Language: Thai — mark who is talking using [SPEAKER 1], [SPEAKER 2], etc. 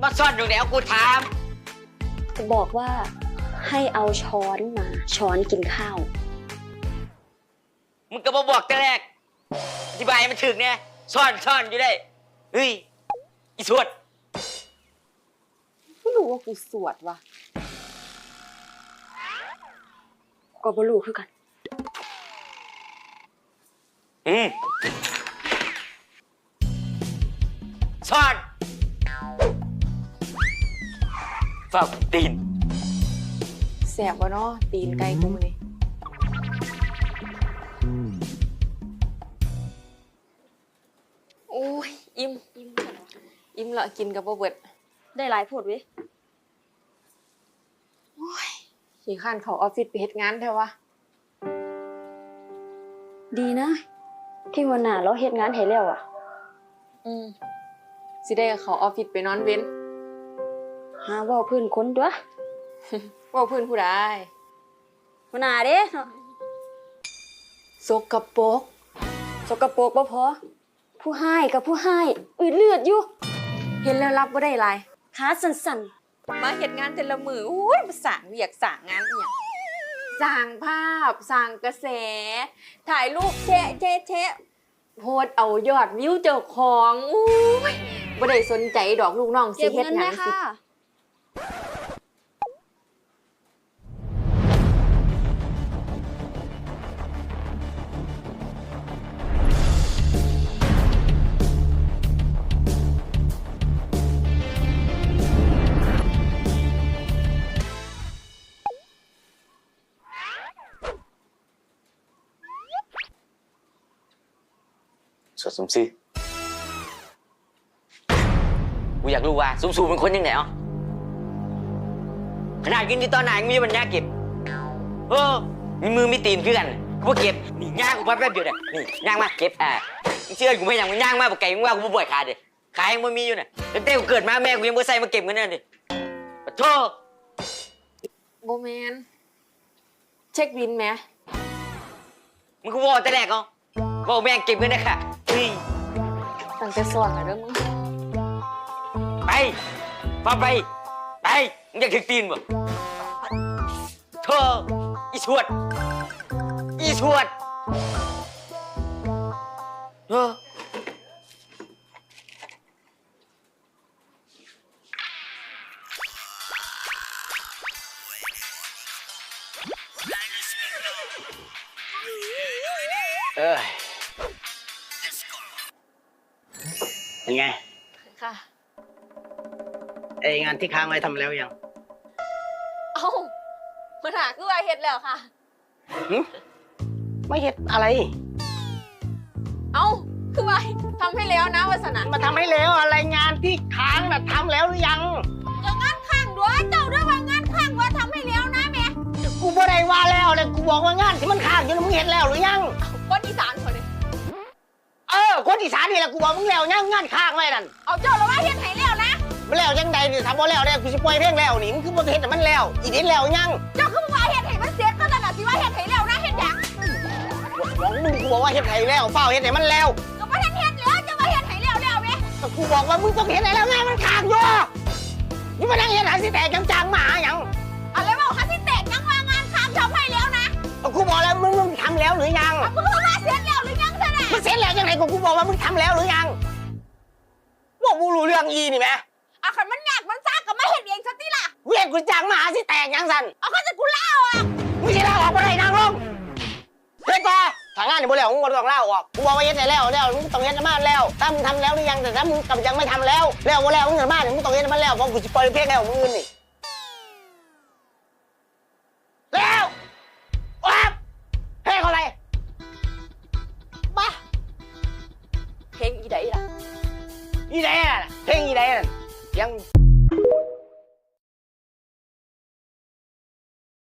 [SPEAKER 1] มาซ่อนอยู่แล้วกูถาม
[SPEAKER 2] จะบอกว่าให้เอาช้อนมาช้อนกินข้าว
[SPEAKER 1] มึงก็มาบอกแต่แรกอธิบายให้มันถึงเนี่ยซ่อนอยู่ได้เฮ้ยอีสวด
[SPEAKER 3] ไม่รู้ว่ากูสวดว่ะ
[SPEAKER 2] ก็บ่รู้คือกัน
[SPEAKER 1] ซ่อนฝากตีน
[SPEAKER 3] แสบวะเนาะตีนไก่กูมื้อนี้โอ้ยอิ่มละกินกับบ่เบิด
[SPEAKER 2] ได้หลายโพดเว้ย
[SPEAKER 3] ขี้ข้านเขาออฟฟิศไปเฮ็ดงานแท้วะ
[SPEAKER 2] ดีนะ ที่วันหน้าเราเฮ็ดงานให้แล้วอ่ะ
[SPEAKER 3] สิได้เขาออฟฟิศไปนอนเว้น
[SPEAKER 2] หาเว้าพื้นคนตัว
[SPEAKER 3] เว่าพื้นผู้ใด
[SPEAKER 2] วันหน้าเด้เนาะ
[SPEAKER 3] สกปรก
[SPEAKER 2] สกปรกบ่พอ ผู้ให้กับผู้ให้อืดเลือดอยู่
[SPEAKER 3] เห็นแล้วรับบ่ได้หลาย
[SPEAKER 2] ขาสั่น
[SPEAKER 3] มาเฮ็ดงานแต่ละมืออุ้ยมาสร้างเวียกสร้างงานอีหยังสร้างภาพสร้างกระแส ถ่ายรูปแชะโพสต์เอายอดวิวเจ้าของอุ้ยบ่ได้สนใจดอกลูกน้อง
[SPEAKER 2] ๆ
[SPEAKER 3] สิ
[SPEAKER 2] เก็บ
[SPEAKER 3] เฮ็ด
[SPEAKER 2] เงิน
[SPEAKER 3] หยั
[SPEAKER 2] แม่
[SPEAKER 3] งสิ
[SPEAKER 2] ค่ะ
[SPEAKER 1] สวดสมซื่อกูอยากรู้ว่าสูงเป็นคนยังไงอ่ะขนาดกินที่ตอนไหนมีมันยากเก็บมีมือมีตีนคือกันกูบ่เก็บนี่ย่างกูพับแป๊บเดียวเนี่ยนี่ย่างมาเก็บมึงเชื่อกูไม่ยังมึงย่างมาบอกไก่มึงว่ากูบ่บ่อยขาดดิขายังไม่มีอยู่เนี่ยตั้งแต่กูเกิดมาแม่กูยังบ่ใส่มาเก็บเงินนั่นดิปะโธ่
[SPEAKER 3] บ่แม่นเช็คบินแหม
[SPEAKER 1] มึงกูบอกแต่แรกเหรอบอกแม่งเก็บเงินได้ค่ะเฮ้ย
[SPEAKER 3] ตั้งแต่สอนแล้วเด้อมึง
[SPEAKER 1] ไปฟังไปมึงอยากถึงตีนบ่โธ่อีสวด
[SPEAKER 4] เป็นไง
[SPEAKER 3] ค่ะ
[SPEAKER 4] ไองานที่ค้างไว้ทำแล้วยัง
[SPEAKER 3] เอ้ามันหาคือว่าเฮ็ดแล้วค่ะ
[SPEAKER 4] ไม่เห็นอะไร
[SPEAKER 3] เอ้าคือว่าทำให้แล้วนะวาสนา
[SPEAKER 4] มาทำให้แล้วอะไรงานที่ค้างน่ะทำแล้วหรือยัง
[SPEAKER 3] ก็งานข้างด้วยเจ้าด้วยว่างานข้างว่าทำให้แล้วนะแม่
[SPEAKER 4] กูบ่ได้ว่าแล้วเลยกูบอกว่างานที่มันค้างอยู่น่ะมึงเห็นแล้วหรือยัง
[SPEAKER 3] คนอีสานคนนี้
[SPEAKER 4] คนอีสานนี่แหละกูบอกมึงแล้วยังงานค้างไว้นั่น
[SPEAKER 3] เอาเจ้าแล้วว่าเฮ็ดให้แล้วนะ
[SPEAKER 4] มันแล้วยังใดนี่ทำบ่แล้วเนี่ยกูสิปล่อยเพลงแล้วนี่มึงคือบ่เห็นแต่มันแล้วอีนิดแล้วยัง
[SPEAKER 3] เจ้าคือว่าเฮ็ดให้มันเสร็จก็นั่นน่ะสิว่าเฮ็ดให้แล้วนะเฮ็ดหยัง
[SPEAKER 4] บอกมึงกูบอกว่าเฮ็ดให้แล้วเฝ้าเฮ็ดให้มันแล้ว
[SPEAKER 3] ก็บ่ทันเฮ็ดแล้วจะว่าเฮ็ดให้แล้วแม่
[SPEAKER 4] แต่กูบอกว่ามึงต้องเห็นให้แล้วงานมันค้างอยู่นี่มานั่งเฮ็ดหาสิแตกจังๆมาหาหยัง
[SPEAKER 3] อะไรว่าคันที่แตกยังว่างานข้างทำให้แล้วนะ
[SPEAKER 4] กูบอกแล้วมึงทำแล้วหรือยัง
[SPEAKER 3] มึงคือว่าเสร็จแล้วหรือยังซะน่ะ
[SPEAKER 4] มันเสร็จแล้วยังไงกูบอกว่ามึงทำแล้วหรือยังบอกกูรู้เรื่องอีนี่ไหม
[SPEAKER 3] คันมันยากมันซากก็มาเฮ็ดเองซะติล่ะ
[SPEAKER 4] เวียนกูจังมาหาสิแตกยังสัน
[SPEAKER 3] เอาคันจะกูเล่าอ่ะ
[SPEAKER 4] มึงสิลาออกบ่ได้นางลงเฮ้ยต่อทางงานนี่บ่แล้วมึงบ่ต้องลาออกกูบอกว่าเฮ็ดได้แล้วมึงต้องเฮ็ดให้มันแล้วถ้ามึงทำแล้วหรือยังแต่ถ้ามึงกำยังไม่ทำแล้วบ่แล้วมึงเฮ็ดมาเนี่ยมึงต้องเฮ็ดให้มันแล้วเพราะกูสิปล่อยเพลงแล้วมึงอื่นนี่แล้วว้าเพลงอะไรบ้า
[SPEAKER 3] เพลงอีใดล่ะ
[SPEAKER 4] อีแดน่ะเพลงอีแดน่ะยัง